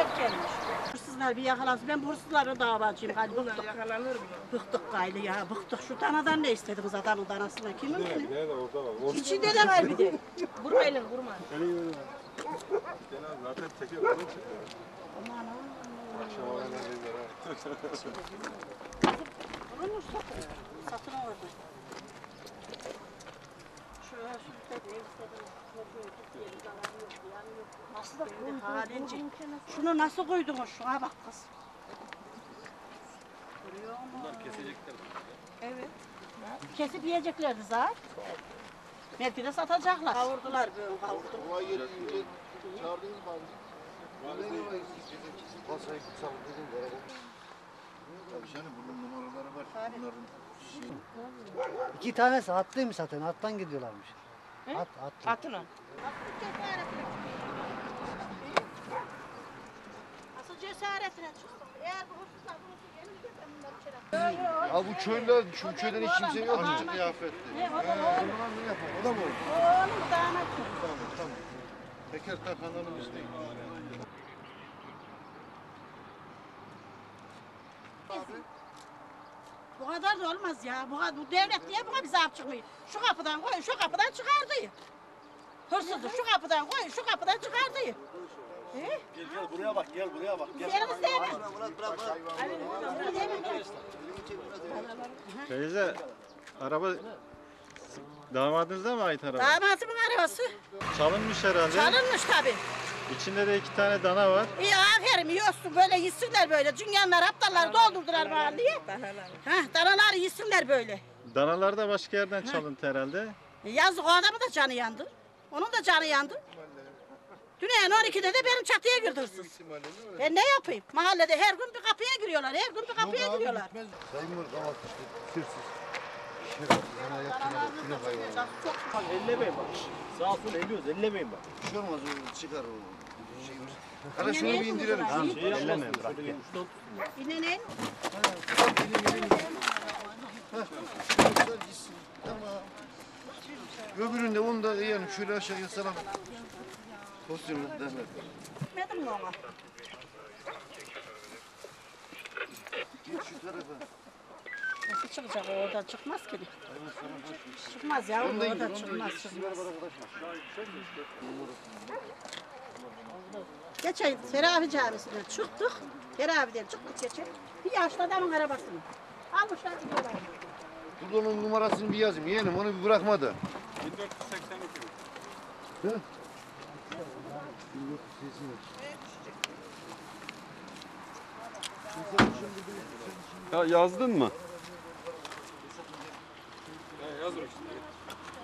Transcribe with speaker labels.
Speaker 1: gelmiş. Hırsızlar bir yakalansın. Ben bu hırsızlara davacıyım. Hadi bıktık.
Speaker 2: Yakalanır mı?
Speaker 1: Bıktık gayrı ya. Bıktık. Şu danadan ne istediniz adamın danasına? Kimin ki?
Speaker 3: Nerede orada var?
Speaker 1: İçinde de var bir de.
Speaker 2: Vurma elini vurma.
Speaker 3: Zaten çekiyor. Bunu çekiyor.
Speaker 1: Aman aman.
Speaker 3: Akşam oraya neredeydiler ha?
Speaker 1: Onu satın orada. Şöyle ev istedim. Nasıl da koydun? Şunu nasıl koydunuz? Şuna bak kız. Görüyor musun?
Speaker 3: Bunlar kesecekler.
Speaker 1: Evet. Kesip yiyeceklerdi zaten. Belki de satacaklar. Kavurdular böyle kavurdular.
Speaker 4: Kolay gelsin. Çağırdınız mı abi? Kasayı kutsal dedim. Tabii canım bunun numaraları var. Bunların şeyi.
Speaker 5: 2 tanesi hattıymış zaten. Hattan gidiyorlarmış.
Speaker 1: He?
Speaker 5: Hat.
Speaker 2: Atına.
Speaker 1: Asıl cesaretine çıktım. Eğer bu hırsızlar bulursa gelince ben bunları içeri
Speaker 4: Ya bu köyler, şu köyden hiç kimse yok.
Speaker 1: Oğlum,
Speaker 4: Kıyafetli.
Speaker 1: Ne o da oğlum.
Speaker 4: Ne yapar? O da mı olur?
Speaker 1: Oğlum damat.
Speaker 4: Tamam. Teker takanlarımız değil.
Speaker 1: Bu kadar da olmaz ya. Bu devlet niye buna bize af çıkmıyor? Şu kapıdan koyun, şu kapıdan çıkardı. Hırsızı şu kapıdan koyun, şu kapıdan çıkardı.
Speaker 4: Gel buraya bak, gel buraya bak.
Speaker 1: Yerimiz değil mi?
Speaker 3: Teyze, araba damadınıza mı ait araba?
Speaker 1: Damatımın arabası.
Speaker 3: Çalınmış herhalde.
Speaker 1: Çalınmış tabii.
Speaker 3: İçinde de 2 tane dana var.
Speaker 1: İyi aferin yiyorsun böyle yesinler böyle. Dünyanlar aptalları doldurdular mahalleye. Danaları yesinler böyle.
Speaker 3: Danalar da başka yerden çalıntı herhalde.
Speaker 1: Yazık o adamın da canı yandı. Onun da canı yandı. Dünyanın 12'de de benim çatıya girdi hırsız. Ben ne yapayım? Mahallede her gün bir kapıya giriyorlar. Her gün bir kapıya giriyorlar.
Speaker 4: Sayın Mur kavat işte. Hırsız. Şerefsiz. Bana yaptılar. Kilo hayvanlar.
Speaker 6: Ellemeyin bak. Sağ sol elliyoruz, ellemeyin bak.
Speaker 4: Bir şey olmaz o çıkar o şeyimiz. Hadi şunu bir indirelim.
Speaker 6: Şey ellemeyin bırak.
Speaker 1: İnenin.
Speaker 4: Tamam. Öbüründe onu da yani şöyle aşağıya salam. Pozisyonu derler.
Speaker 1: Gitmedin mi ona?
Speaker 4: Geç şu tarafa.
Speaker 1: Nasıl çıkacak o oradan çıkmaz ki. Çıkmaz ya oradan çıkmaz. Geçen Teravi Camisi'nden çıktık. Teravi'den çıktık geçen. Bir yaşlı adamın arabasını. Almışlar gidiyorlar.
Speaker 4: Burada onun numarasını bir yazayım. Yeğenim onu bir bırakma da.
Speaker 3: 1482.
Speaker 7: Ya yazdın mı?
Speaker 3: Yazdım işte.